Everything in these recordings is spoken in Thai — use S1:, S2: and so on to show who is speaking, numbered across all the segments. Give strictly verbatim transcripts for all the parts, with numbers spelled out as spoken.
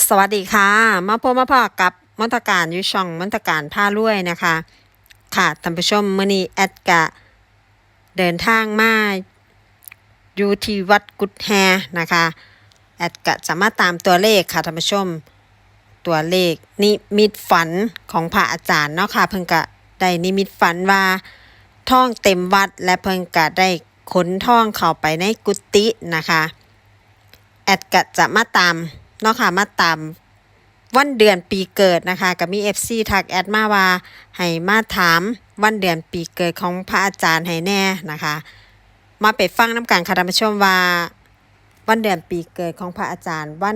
S1: สวัสดีค่ะมาพบมาพอกับมนตการอยู่ช่องมนตการผ้ารวยนะคะค่ะท่านผู้ชมมื้อนี้แอดกะเดินทางมาอยู่ที่วัดกุดแฮนะคะแอดกะจะมาตามตัวเลขค่ะท่านผู้ชมตัวเลขนิมิตฝันของพระอาจารย์เนาะค่ะเพิ่งกะได้นิมิตฝันว่าท่องเต็มวัดและเพิ่งกะได้ขนท่องเข้าไปในกุฏินะคะแอดกะจะมาตามเนาะค่ะมาตามวันเดือนปีเกิดนะคะก็มี เอฟ ซี ทักแอดมาว่าให้มาถามวันเดือนปีเกิดของพระอาจารย์ให้แน่นะคะมาไปฟังน้ำกันค่ะท่านผู้ชมว่าวันเดือนปีเกิดของพระอาจารย์วัน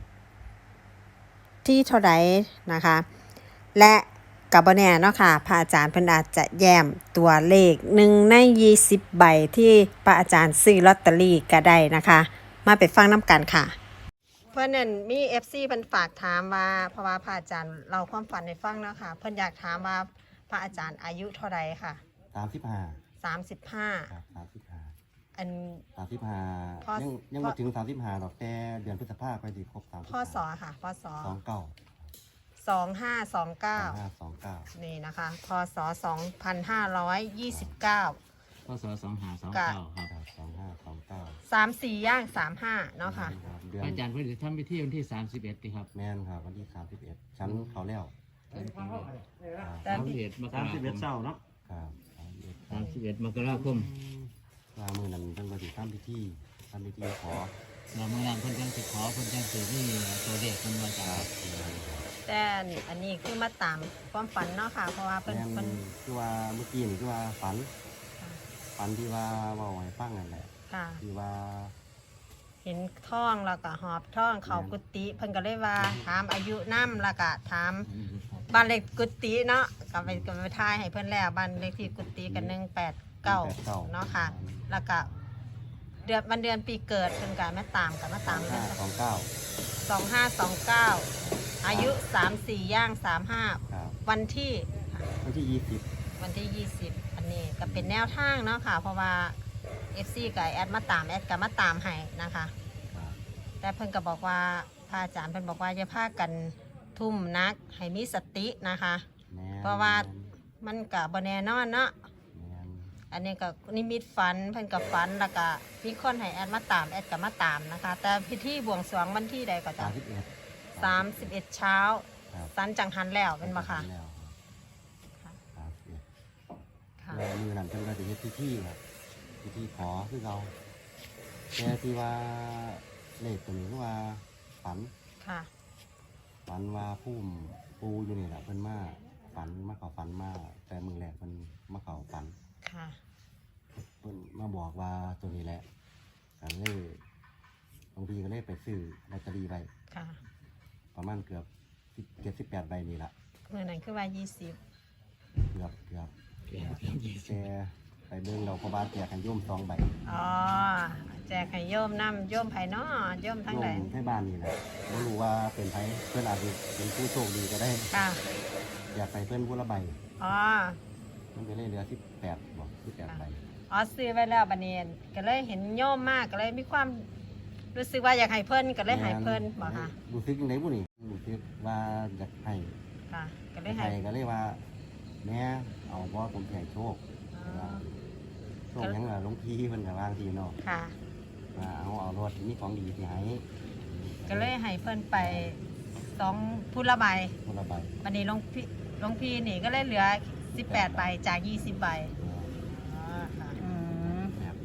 S1: ที่เท่าใดนะคะและกับบ่แน่เนาะค่ะพระอาจารย์เพิ่นอาจจะแย้มตัวเลขหนึ่งในยี่สิบใบที่พระอาจารย์ซื้อลอตเตอรี่ก็ได้นะคะมาไปฟังน้ำกันค่ะเพื่อนนั่นมี เอฟ ซี เพิ่นฝากถามว่าเพราะว่าพระอาจารย์เราความฝันให้ฟังเนาะค่ะเพิ่นอยากถามว่าพระอาจารย์อายุเท่าใดค่ะ
S2: สามสิบห้า
S1: สามสิบห้า
S2: ครับสามสิบห้า
S1: อัน
S2: สามสิบห้า
S1: พอ
S2: ยังยังมาถึงสามสิบห้าดอกแต่เดือนพฤษภาคมไปดีครบสามสิบ
S1: พศค่ะพศ
S2: สองเก้า
S1: สองห้าสองเก้า
S2: สองห้าสองเก้า
S1: นี่นะคะพศสองพันห้าร้อยยี่สิบเก้า
S3: พศสองห้าสองเก้าครับ
S2: สองห้าสองเก้า
S1: สามสี่ย่างสามห้าเนาะค่ะ
S2: เดือน
S3: อาจารย์เพิ่งจะทำพิธีวันที่สามสิบเอ็ดครับ
S2: แม่นครับวันที่สามสิบเอ็ดชั้นเขาแล้ว
S3: สามสิบเอ็ดมกราคมสามสิบเอ็ดเศร้าเนาะ
S2: ครับ
S3: สามสิบเอ็ดมกราคม
S2: ว่ามือนั้นเพิ่งมาถึงทำพิธีทำพิธีขอ
S3: เราเมื่อนั้นเพิ่นจังสิขอเพิ่นจังสินี่ตัวเลขมันมาจาก
S1: แต่อันนี้คือมาตามความฝันเนาะค่ะเพราะว่าเพิ่นเพิ่น
S2: คือว่าเมื่อกี้นี่คือว่าฝันฝันที่ว่าว่าไว้ฟังนั่นแหละที่ว่า
S1: เห็นท่องแล้วก็หอบท่องเขากุฏิเพิ่นก็เลยว่าถามอายุน้ำแล้วก็ถามบ้านเลขกุฏิเนาะก็ไปก็ไปทายให้เพิ่นแล้วบ้านเลขที่กุฏิกันหนึ่งแปดเก้าเนาะค่ะแล้วก็เดือนวันเดือนปีเกิดเพิ่นก็มาตามกันมาตามเลย
S2: สองเก้า
S1: สองห้าสองเก้าอายุสามสี่ย่างสามห้าวันที่
S2: วันที่ยี่สิบ
S1: วันที่ยี่สิบอันนี้ก็เป็นแนวทางเนาะค่ะเพราะว่า เอฟ ซี กับแอดมาตามแอดกับมาตามให้นะคะแต่เพิ่นก็บอกว่าพระอาจารย์เพิ่นบอกว่าจะพากันทุ่มนักให้มีสตินะคะเพราะว่ามันกับบ่แน่นอนเนาะอันนี้ก็นิมิตฝันเพิ่นกับฝันแล้วก็มีคนให้แอดมาตามแอดกับมาตามนะคะแต่พิธีบวงสรวงวันที่ใดก็จะสามสิบเอ็ดเช้าสันจังหันแล้วเป็นบ่ค่ะ
S2: มือนั่นเพิ่นก็จะเฮ็ดพิธีครับพิธีขอคือเราแต่ที่ว่าเลขตัวนี้คือว่าฝัน
S1: ค่ะ
S2: ฝันว่าพุ่มปูอยู่นี่แหละเพิ่นมาฝันมาเขาฝันมาแต่มือแรกเพิ่นมาเขาฝัน
S1: ค่ะ
S2: เพิ่นมาบอกว่าตัวนี้แหละกันเลยบางทีก็เลยไปซื้อลอตเตอรี่ไป
S1: ค่ะ
S2: ประมาณเกือบเจ็ดสิบแปดใบนี่แหละ
S1: เมื่อนั้นคือว่ายี่สิบ
S2: เกือบเกือบแต่ไปเบิ่งเราพอบาแจกกันโยมสองใบ
S1: อ๋อแจกให้โยมน้ำโยมไผ่น้อโยมทั้งใด
S2: โยมให้บ้านนี่แหละไม่รู้ว่าเป็นไผ่เพื่อนอาจจะเป็นผู้โชคดีก็ได้
S1: ค่ะ
S2: อยากไปเพื่อนผู้ละใบ
S1: อ๋อ
S2: มันไปเลยเหลือสิบแปดบอกสิบแปดใบ
S1: อ๋อซื้อไว้แล้วบัดนี้ก็เลยเห็นโยมมากก็เลยมีความรู้สึกว่าอยากให้เพิ่นก็เลยให้เพิ่นบอกค่ะ
S2: รู้สึกยังไงบุนี่รู้สึกว่าอยากให้
S1: ค่ะก็เลยให้
S2: ก็เลยว่าแม่เอาว่าผมใหญ่โชคโชคยังไงหลวงพี่เพิ่นกับวางทีเนาะ
S1: ค่ะ
S2: เอาเอารถนี่ของดีที่ให้
S1: ก็เลยให้เพิ่นไปสองพุละใบ
S2: พุละใบ
S1: วันนี้หลวงพี่หลวงพี่นี่ก็เลยเหลือสิบแปดใบจากยี่สิบใบอ๋อค่ะอืม
S2: แปดใบ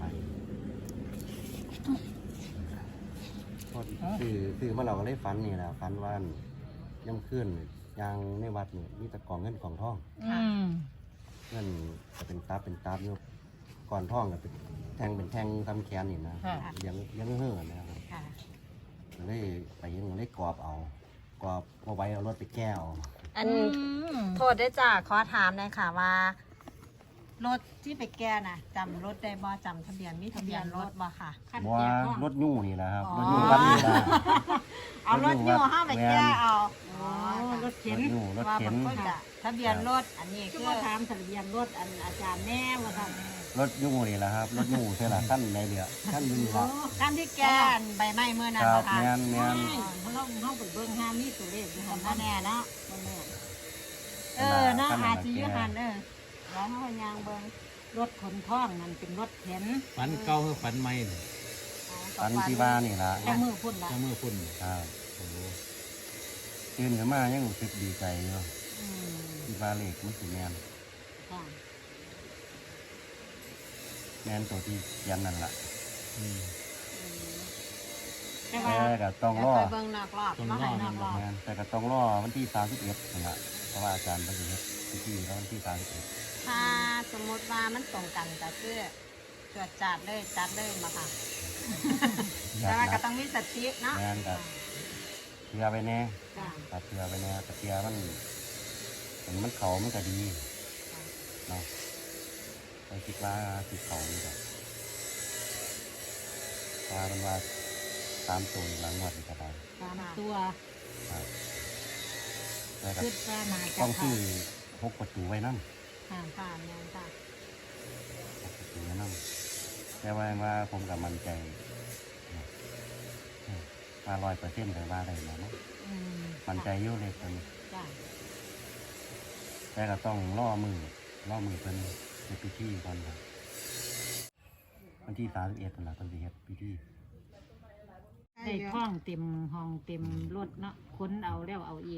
S2: คือคือเมื่อเราก็เลยฝันนี่แหละฝันว่าย่ำขึ้นยางในวัดนี่มีตะกองเงินกองทองเงินจะเป็นตาเป็นตาอยู่ก่อนท่องกับเป็นแทงเป็นแทงทำแขนนี่นะเลี้ยงเลี้ยงเห่อนะครับเลยไปยังเลยกรอบเอากรอบเอาไว้เอารถไปแก้ว
S1: อันโทษได้จ้าขอถามเลยค่ะว่ารถที่ไปแก้น่ะจำรถได้บ่จำทะเบียนมีทะเบียนรถบ่ค่ะ
S2: ว่ารถยู่นี่แหละครับรถยู่วัดนี่ละ
S1: เอารถยู่ห้าไปแก้เอา
S4: รรถเข็น
S2: รถอยู่รถ
S1: ว่า
S2: เข็
S1: บาน งคนจะทะเบียนรถอันนี้
S4: คื
S1: คือ อ
S4: ว่าถามทะเบียนรถอันอาจารย์แน่ว่าท่าน
S2: รถอยู่นี่แหละครับรถอยู่ใช่ละขั้นในเดียวขั้นอยูนี่ละ
S1: การที่แกนใบไม้เมื่อนั้
S2: คน รับ
S1: นะคะ
S2: แม่นแม่น
S4: เพราะเราเขาไปเบิ่งห้ามีตัวเลขอยู่
S1: ผ
S4: หั
S1: ม
S4: น
S1: ก็
S4: นั่น
S1: แน่เนาะ
S4: บ่แน่
S1: เออเนาะอาจีอยูหันเออแล้วเขายางเบิ้ง
S4: รถขนท่องนั่นเป็นรถเข็น
S3: ฝันเก่าคือฝันใหม่นี่
S2: ฝันที่ว่านี่ละ
S4: แต่มือพุ่นละ
S3: เจ้ามือพุ่น
S2: ครับ
S3: โอ้โห
S2: ตื่นขึ้นมายังรู้สึกดีใจอยู่
S4: อืม
S2: ที่ว่าเลขมันสิแม่น
S4: ค่ะ
S2: แม่นตัวที่เขียนนั่นล่ะ
S3: อืม
S4: แต่
S2: แต่
S4: ว่า
S2: ก็ต้องรอ
S1: ไปเบิ้งนอกรอบมาให้นอกรอบ
S2: แม่นแต่ก็ต้องรอวันที่สามสิบเอ็ดนั่นล่ะเพราะว่าอาจารย์เป็นสิเฮ็ดพิธีแล้ววันที่สามสิบเอ็ด
S1: ถ้าสมมติว่ามันตรงกันก็คือตรวจจัดเลยจัดเลยมาค่ะ แต่ว่าก็ต้องมีสติเนาะ
S2: แม่นกับเชื่อไปแน่
S4: จ้ะ
S2: กับเชื่อไปแน่แต่เชื่อมันเห็นมันเขามันก็ดีเนาะไปคิดว่าสิเขานี่แหละว่ามันว่าตามตัวหลังหมดนี่ก็ได้
S4: ตามตัว
S2: ครับแต่ก็
S4: คิดว่าน่าจะ
S2: ต้อง
S4: เข้า
S2: ซื้อพกประตูไว้นั่น
S4: ค่ะ
S1: ค่ะแม่นจ้ะ
S2: พกประตูไว้นั่นแต่ว่าว่าผมกับมันใจว่าร้อยเปอร์เซ็นต์เลยว่าได้ไหมเนาะ
S4: อืม
S2: มันใจเยอะเลยคน
S4: จ้ะ
S2: แต่ก็ต้องล่อมือล่อมือเป็นในพิธีก่อนครับวันที่สามสิบเอ็ดนั่นแหละเป็นสิเฮ็ดพิธี
S4: ได้ท่องเต็มห้องเต็มรถเนาะค้นเอาแล้วเอาอีก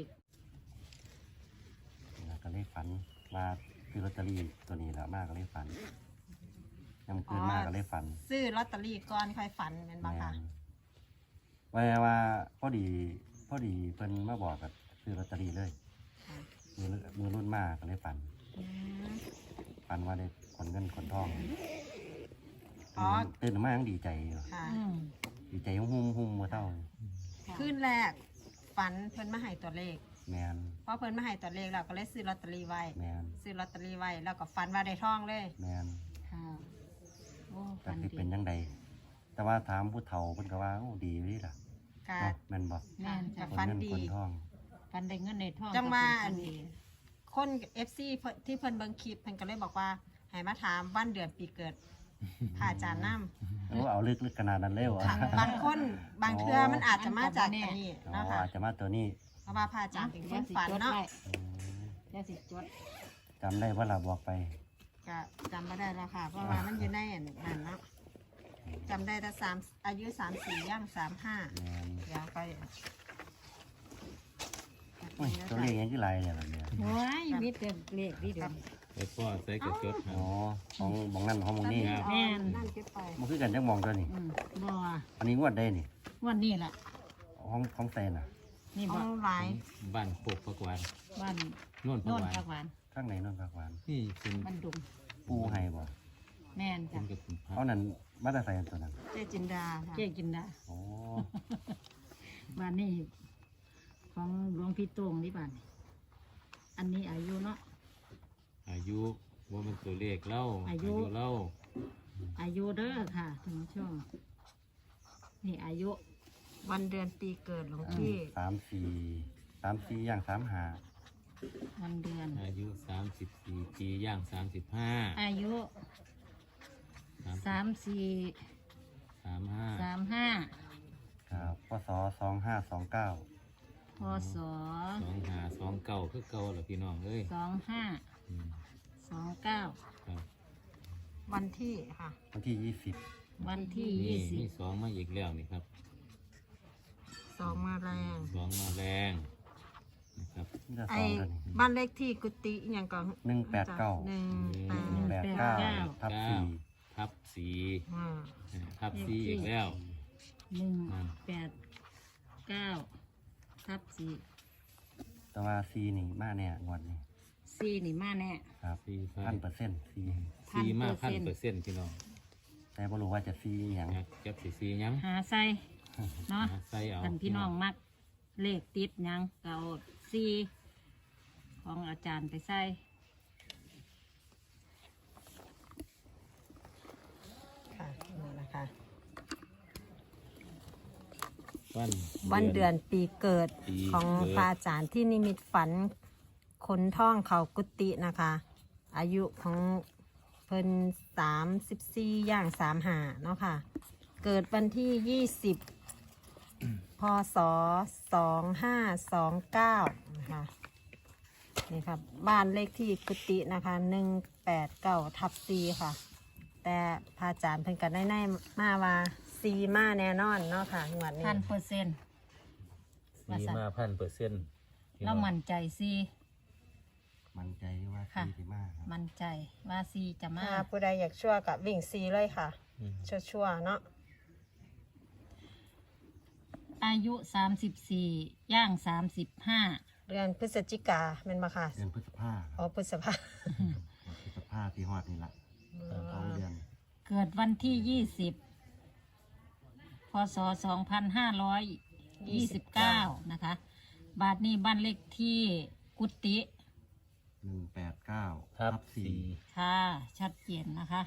S2: แล้วก็เลยฝันว่าคือลอตเตอรี่ตัวนี้แหละมากก็เลยฝันยังคืนมากก็เลยฝัน
S1: ซื้อลอตเตอรี่ก่อนค่อยฝันเป็นบ้าค่ะ
S2: ว่าว่าพอดีพอดีเพิ่นมาบอกกับซื้อลอตเตอรี่เลยมือมือรุ่นมากก็เลยฝัน
S1: อืม
S2: ฝันว่าได้ขนเงินขนทอง
S1: อ๋อ
S2: ตื่นมายังดีใจอยู่
S1: ค่ะ
S4: อืม
S2: ดีใจหุ่มหุ่มมาเท่า
S1: ขึ้นแรกฝันเพิ่นมาให้ตัวเลข
S2: แมน
S1: เพราะเพิ่นมาให้ตัวเลขเราก็เลยซื้อลอตเตอรี่ไว้
S2: แมน
S1: ซื้อลอตเตอรี่ไว้แล้วก็ฝันว่าได้ทองเลย
S2: แมน
S4: ค่ะโอ้
S2: แต่
S4: ฟัน
S2: ที่
S4: ดี
S2: เป็นยังไงแต่ว่าถามผู้เฒ่าเพิ่นก็ว่าโอ้ดีเลยล่ะ
S1: ค่ะ
S2: เนาะแม่นบอก
S4: แม่นจ้ะ
S2: ขน
S1: ฝัน
S2: เงิน
S1: ดี
S2: ขนทอง
S4: ฟันได้เงินในท้อง
S1: จังว่า
S4: ก็เป็นฟันดี
S1: คน เอฟ ซี ที่เพิ่นเบิ่งคลิปเพิ่นก็เลยบอกว่าให้มาถามวันเดือนปีเกิดพระอาจารย์น้ำ
S2: โอ้เอาลึกลึกขนาดนั้นเลยเหรอ
S1: ค่ะบางคนบางเทื่อมันอาจจะมาจากอันนี้
S2: อ๋อ
S1: เนาะค่ะ
S2: อาจจะมาตัวนี้
S1: เพราะว่าพระอาจารย์เป็นคน
S4: สิ
S1: ฝัน
S4: จด
S1: เนาะ
S4: ไว้
S2: อืม
S4: เดี๋ยวสิจด
S2: จำได้ว่าเราบอกไป
S1: ก็จำไม่ได้แล้วค่ะ เพราะว่ามันอยู่ในอันนั้นเนาะจำได้แต่สามอายุสามสี่ย่างสามห้า
S2: แมน
S1: เดี๋ยวไป
S2: โอ้ยตัวเลขยังกี่ไรเนี่ยแบบเนี้ย
S4: โอ้ยมีแต่เลขดีเดียว
S3: ไอ้พ่อใส่กระจดครั
S2: อ๋
S3: บ
S2: อของของนั่นของมองนี่
S4: แม่น
S1: นั่นคิดไป
S2: มันคือกันจังมองตัวนี่
S4: อืมบ่
S2: อันนี้งวดได้นี่
S4: วันนี้แหละ
S2: ของของแซนอ่ะ
S4: นี่
S1: เอา
S4: บ่
S1: หลาย
S3: บ้านโคกพักหวาน
S4: บ้าน
S3: โน่นพั
S4: โน่
S3: ก
S4: น
S3: หวาน
S4: ผักหวาน
S2: ข้างในนั่นผักหวาน
S3: นี่เป็น
S4: บ้านดุง
S2: ปูให้บ่
S4: แม่น
S3: เป็
S4: จ้ะ
S3: นกับคุณพระ
S2: เอานั่นมาแต่ใส่ตัวนั้น
S1: เจจินดาค่ะ
S4: เจ๊กินได้
S2: โอ้
S4: บ้านนี้ของหลวงพี่โต้งนี่บ้านนี่อันนี้อายุเนาะ
S3: อายุว่ามันตัวเลขเล่า
S4: อายุ
S3: เล่า
S4: อายุเด้อค่ะท่านผู้ชมนี่อายุ
S1: วันเดือนปีเกิดหลวงพี่
S2: สามสี่สามสี่อย่างสามหา
S4: วันเดือน
S3: อายุสามสิบสี่ปีย่างสามสิบห้า
S4: อายุ
S3: สาม
S4: สามสี่
S3: สามห้า
S4: สามห้า
S2: ครับพศสองห้าสองเก้า
S4: พศ
S3: สองหาสองเก่าคือเก่าเหรอพี่น้องเอ้ย
S4: สองห้า
S3: อืม
S4: สองเก้า
S3: ครับ
S1: วันที่ค่ะ
S2: วันที่ยี่สิบ
S4: วันที่
S3: นี่
S4: ยี่สิ
S3: มี
S4: บ
S3: สองมาอีกแล้วนี่ครับ
S1: สองมาแรง
S3: สองมาแรงนะครับ
S2: นี่จะ
S1: ไอ
S2: สองตัวนี้
S1: บ้านเลขที่กุฏิอหย่างก่อน
S2: หนึ่งแปดเก้า
S1: หนึ่งแปด
S2: หนึ่งแปดเก้าทับสี่
S3: ทับสี่
S1: อ่า
S3: ทับสี่อีกแล้ว
S4: หนึ่ง
S3: นั่น
S4: แปดเก้าทับสี่
S2: แต่ว่าซีนี่มาเนี่ยงวดนี้
S4: สี่นี่มาแน่
S2: ครับ
S3: สี่ไฟ
S2: พันเปอร์เซ็นต์ซี
S3: สี่มาก
S4: พั
S3: พัน
S4: น
S3: เป
S4: เป
S3: อ
S4: อร์
S3: ร์
S4: เซ็
S3: เซ็
S4: น
S3: น
S4: ต์
S3: ต์พี่น้อง
S2: แต่บ่รู้ว่าจะซีอหย่าง
S3: อยากเก็บสีสีหยัง
S4: หาใส่เนาะ
S3: หาใส่เอา
S4: ท่านพี่น้องมักเลขติดหยังเก่าสี่ของอาจารย์ไปใส่
S1: ค่ะนี่นะคะ
S3: ตวัน
S1: วันเดือนปีเกิด
S3: ปี
S1: ของ
S3: เกิด
S1: พระอาจารย์ที่นิมิตฝันคนท่องเขากุฏินะคะ อายุของเพิ่นสามสิบสี่ย่างสามหาเนาะค่ะ เกิดวันที่ยี่สิบพศสองห้าสองเก้านะคะนี่ครับบ้านเลขที่กุฏินะคะหนึ่งแปดเก้าทับซีค่ะ แต่พระอาจารย์เพิ่นกันได้แน่มาว่าซีมาแน่นอนเนาะค่ะงวดนี้
S4: พันเปอร์เซ็นต์
S3: มีมาพันเปอร์เซ็นต์
S4: เรามั่นใจซี
S2: มั่นใจว่า
S4: ค่ะ
S2: ที่มากครับ
S4: มั่นใจว่าซีจะมา
S1: ถ้าผู้ใดอยากชั่วกับวิ่งซีเลยค่ะ
S3: อืม
S1: ชั่วชั่วๆเนาะ
S4: อายุสามสิบสี่ย่างสามสิบห้า
S1: เดือนพฤศจิกาเป็นมาค่ะ
S2: เดือนพฤษภาค
S1: อ๋อ
S2: ม
S1: พฤษภา
S2: พฤษภาที่ฮอดนี่ละสองเดือน
S4: เกิดวันที่ยี่สิบพศสองพันห้าร้อยยี่สิบเก้านะคะ บาทนี้บ้านเลขที่กุฏิ
S2: หนึ่งแปดเก้า
S3: ทับ
S2: ทับสี่
S3: สี่
S4: ค่ะชัดเจนนะคะ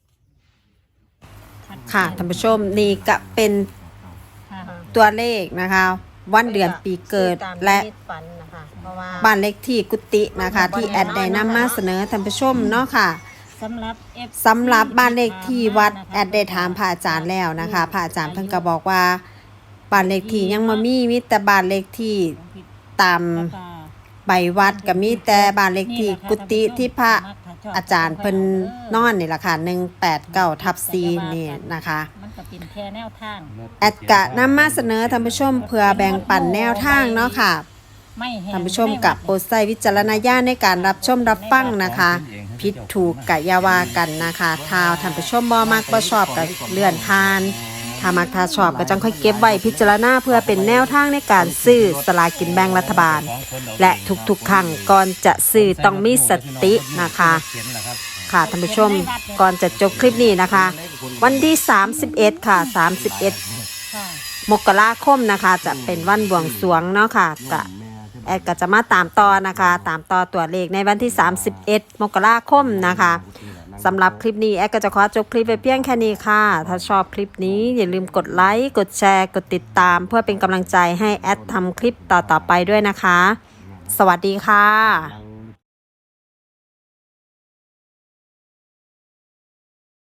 S4: ชัดเจน
S1: ค่ะท่านผู้ชมนี่ก็เป็น
S4: ค่ะ
S1: ตัวเลขนะคะ วันเดือนปีเกิดและ
S4: ฝันนะคะเพราะว่า
S1: บ้านเลขที่กุฏินะคะ ที่แอดได้นำมาเสนอท่านผู้ชมเนาะค่ะ
S4: สำหรับ F
S1: สำหรับบ้านเลขที่วัดแอดได้ถามพระอาจารย์แล้วนะคะพระอาจารย์เพิ่นก็บอกว่าบ้านเลขที่ยังบ่มีมีแต่บ้านเลขที่ตาม
S4: แล้วก็
S1: ใบวัดก็มีแต่บ้านเลขที่กุฏิที่พระอาจารย์เพิ่นนอนนี่ล่ะค่ะหนึ่งแปดเก้าทับสี่นี่นะคะ
S4: มันก็เป็นแค่แนวทาง
S1: แอดกะนำมาเสนอท่านผู้ชมเพื่อแบ่งปันแนวทางเนาะค่ะ
S4: ไม่แห้ง
S1: ท่านผู้ชมกับโปรดใช้วิจารณญาณในการรับชมรับฟังนะคะผิดถูกกะอยาวากันนะคะถ้าท่านผู้ชมบ่มักบ่ชอบก็เลื่อนผ่านถ้ามักถ้าชอบก็จังค่อยเก็บไว้พิจารณาเพื่อเป็นแนวทางในการซื้อสลากินแบ่งรัฐบาล และทุกๆครั้งก่อนจะซื้อต้องมีสตินะคะ ค่ะท่านผู้ชมก่อนจะจบคลิปนี้นะคะ วันที่สามสิบเอ็ดค่ะสามสิบเอ็ด
S4: ค่ะ
S1: มกราคมนะคะ จะเป็นวันบวงสรวงเนาะค่ะกะแอดก็จะมาตามต่อนะคะ ตามต่อตัวเลขในวันที่สามสิบเอ็ดมกราคมนะคะสำหรับคลิปนี้แอดก็จะขอจบคลิปไปเพียงแค่นี้ค่ะ ถ้าชอบคลิปนี้อย่าลืมกดไลค์กดแชร์กดติดตาม เพื่อเป็นกำลังใจให้แอดทำคลิปต่อๆไปด้วยนะคะ สวัสดีค่ะ
S2: นั่ง